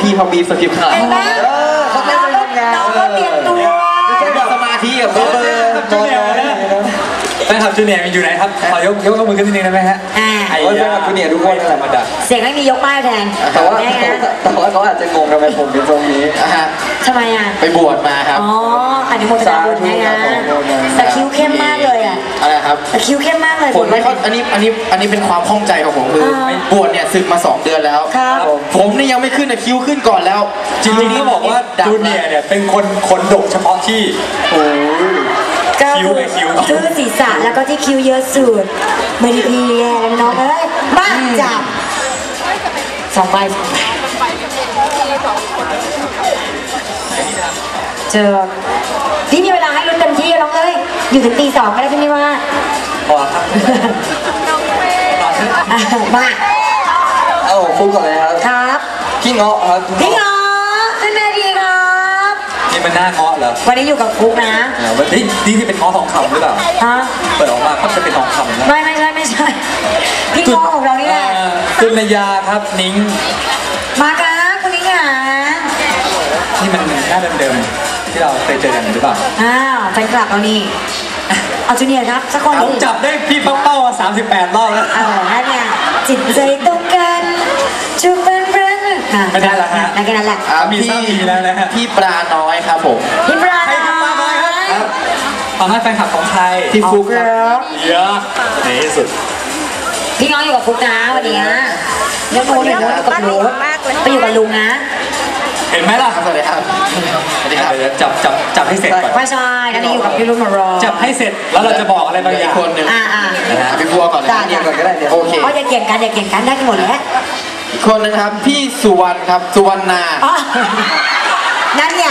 พี่เขาบีบสคริปต์ขนาดนั้นเขาไม่ได้ทำงานน้องก็เตรียมตัวสมาธิกับเขาแฟนคลับจูเนียร์อยู่ไหนครับขอยกมือขึ้นนิดนึงได้ไหมฮะแฟนคลับจูเนียร์ทุกคนธรรมดาเสียงไม่มียกป้ายแทนแต่ว่าเขาอาจจะงงทำไมผมเป็นตรงนี้ทำไมอ่ะไปบวชมาครับอ๋ออนุโมทนาบุญนะแต่คิ้วเข้มมากเลยอ่ะอะไรครับแต่คิ้วเข้มมากเลยผมไม่เข้าอันนี้เป็นความข้องใจของผมคือบวชเนี่ยศึกมา2 เดือนแล้วผมนี่ยังไม่ขึ้นคิ้วขึ้นก่อนแล้วจริงๆนี่บอกว่าจูเนียร์เนี่ยเป็นคนดกเฉพาะที่โอ้คิ้วเลยคิ้วคือศีรษะแล้วก็ที่คิ้วเยอะสุดไม่ได้พี่แย่แล้วน้องเอ้ยบ้าจับ2 ใบเจอพี่มีเวลาให้ลุ้นเต็มที่น้องเอ้ยอยู่ถึงตี 2ก็ได้พี่นี่ว่าพอครับมาฟุกก่อนเลยครับพี่เงาะครับพี่เงาะขึ้นมาดีครับนี่มันหน้าเงาะเหรอวันนี้อยู่กับฟุกนะวันนี้ที่เป็นเงาะทองคำหรือเปล่าเปิดออกมาก็จะเป็นทองคำนะไม่ใช่พี่เงาะของเรานี่แหละคุณนายาครับนิ้งมาครับคุณนิ้งอ่ะนี่มันหน้าเดิมๆที่เราเคยเจอกันหรือเปล่าแฟนคลับเรานี่เอาจูเนียร์ครับสักคนผมจับได้พี่เป้า38 รอบแล้วนั่นไงจิตใจตรงกันจูบเป็นเพื่อนไม่ได้ละฮะนั่นแค่นั้นแหละมีสามีแล้วนะฮะพี่ปลาน้อยครับผมพี่ปลาน้อยครับตอนนั้นแฟนคลับของไทยพี่ฟุกครับเยอะในที่สุดพี่น้องอยู่กับฟุกนะวันนี้เดี๋ยวโน้ตอยู่กับลุงไปอยู่กับลุงนะเห็นไหมล่ะสวัสดีครับสวัสดีครับจับให้เสร็จก่อนไม่ใช่ตอนนี้อยู่กับพี่ลุงมารอจับให้เสร็จแล้วเราจะบอกอะไรบางอย่างคนหนึ่งพี่บัวก่อนเลยเนี่ยก่อนก็ได้เนี่ยโอเคอย่าเกี่ยงกันได้กันหมดแล้วอีกคนนึงครับพี่สุวรรณครับสุวรรณานั่นไง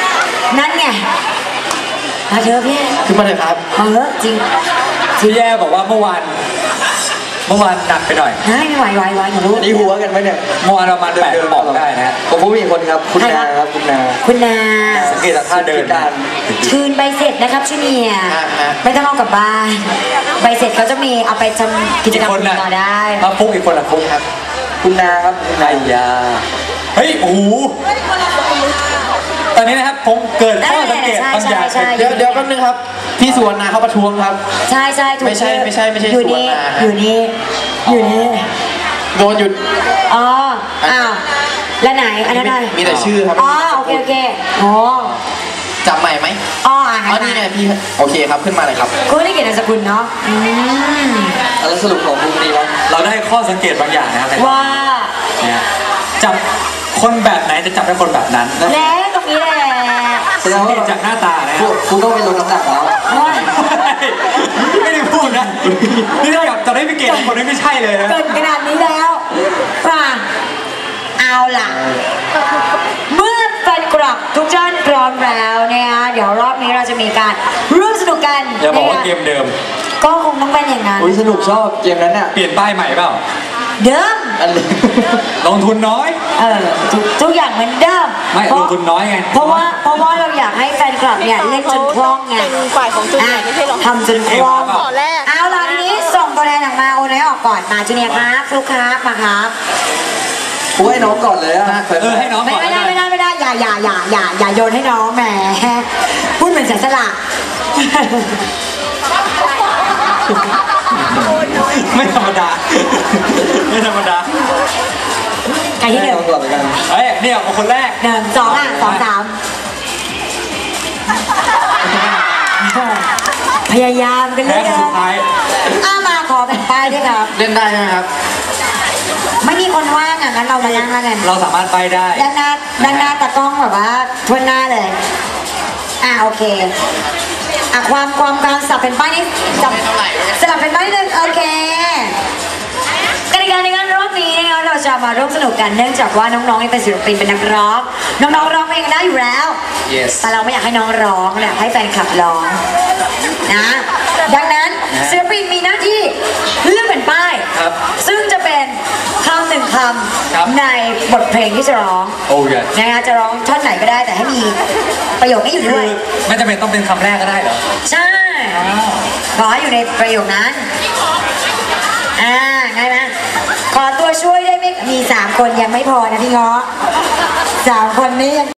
มาเถอะพี่ขึ้นมาเลยครับจริงที่แย่บอกว่าเมื่อวานหนักไปหน่อยไม่ไหวหนูรู้นี่หัวกันไหมเนี่ยเมื่อวานเรามา8 บอกได้นะผมพูดอีกคนครับคุณนาครับคุณนาสังเกตท่าเดินคืนใบเสร็จนะครับชูเนียไม่ต้องเอากลับบ้านใบเสร็จเขาจะมีเอาไปทำกิจกรรมต่อได้มาฟุกอีกคนละฟุกครับคุณนาครับคุณนายาเฮ้ยโอ้โหตอนนี้นะครับผมเกิดข้อสังเกตบางอย่างเดี๋ยวแป๊บนึงครับพี่สุวรรณาเขาประท้วงครับใช่ถูกไม่ใช่อยู่นี่โดนหยุดอ้าวแล้วไหนอันนั้นมีแต่ชื่อครับโอเคจำใหม่ไหมนี่ไงพี่โอเคครับขึ้นมาเลยครับก็ได้เกียรตินามสกุลเนาะแล้วสรุปของพรุ่งนี้เราได้ข้อสังเกตบางอย่างนะครับว่าจับคนแบบไหนจะจับได้คนแบบนั้นแล้วตรงนี้แหละสังเกตจากหน้าตานะคุณต้องไปลงน้ำหนักแล้วไม่ได้พูดนะนี่ถ้าแบบจะได้ไปเกณฑ์คนนี้ไม่ใช่เลยนะเกินขนาดนี้แล้วป่ะเอาล่ะเมื่อแฟนคลับทุกท่านพร้อมแล้วเนี่ยเดี๋ยวรอบนี้เราจะมีการร่วมสนุกกันอย่าบอกว่าเกมเดิมก็คงต้องเป็นอย่างนั้นสนุกชอบเกมนั้นเนี่ยเปลี่ยนป้ายใหม่เปล่าเดิมลงทุนน้อยทุกอย่างเหมือนเดิมไม่ลงทุนน้อยไงเพราะว่าเราอยากให้แฟนคลับเนี่ยเล่นจนคล่องไงเป็นฝ่ายของจูเนียร์ไม่ใช่หรอทำจนคล่องเอาล่ะทีนี้ส่งตัวแทนออกมาโอนให้ออกก่อนมาจูเนียร์ครับฟลุ๊กครับมาครับให้น้องก่อนเลยอะให้น้องก่อนไม่ได้อย่าโยนให้น้องแหมพูดเหมือนเสียสละไม่ธรรมดาใครที่เดิมก่อนเลยกันเนี่ยคนแรก 1 2 3พยายามกันเลยสุดท้ายมาขอแบ่งป้ายด้วยครับเล่นได้ไหมครับไม่มีคนว่างงั้นเรามานั่งกันเราสามารถไปได้ด้านหน้าตากล้องแบบว่าทวนหน้าเลยโอเคความสับเป็นป้ายนี่สลับเป็นป้ายนึงโอเคกติกาในการรอบนี้นะคะเราจะมาร่วมสนุกกันเนื่องจากว่าน้องๆเป็นศิลปินเป็นนักร้องน้องๆร้องเพลงได้อยู่แล้ว แต่เราไม่อยากให้น้องร้องอยากให้แฟนคลับร้องนะดังนั้นศิลปินมีหน้าที่เลือกเป็นป้ายซึ่งจะเป็นคำ1 คำในบทเพลงที่จะร้องนะคะจะร้องท่อนไหนก็ได้แต่ให้มีประโยคนี้อยู่ด้วยไม่จำเป็นต้องเป็นคำแรกก็ได้เหรอใช่ขอให้อยู่ในประโยคนั้นง่ายไหมขอตัวช่วยได้ไหมมี3 คนยังไม่พอนะพี่เงาะ 3 คนนี้ยัง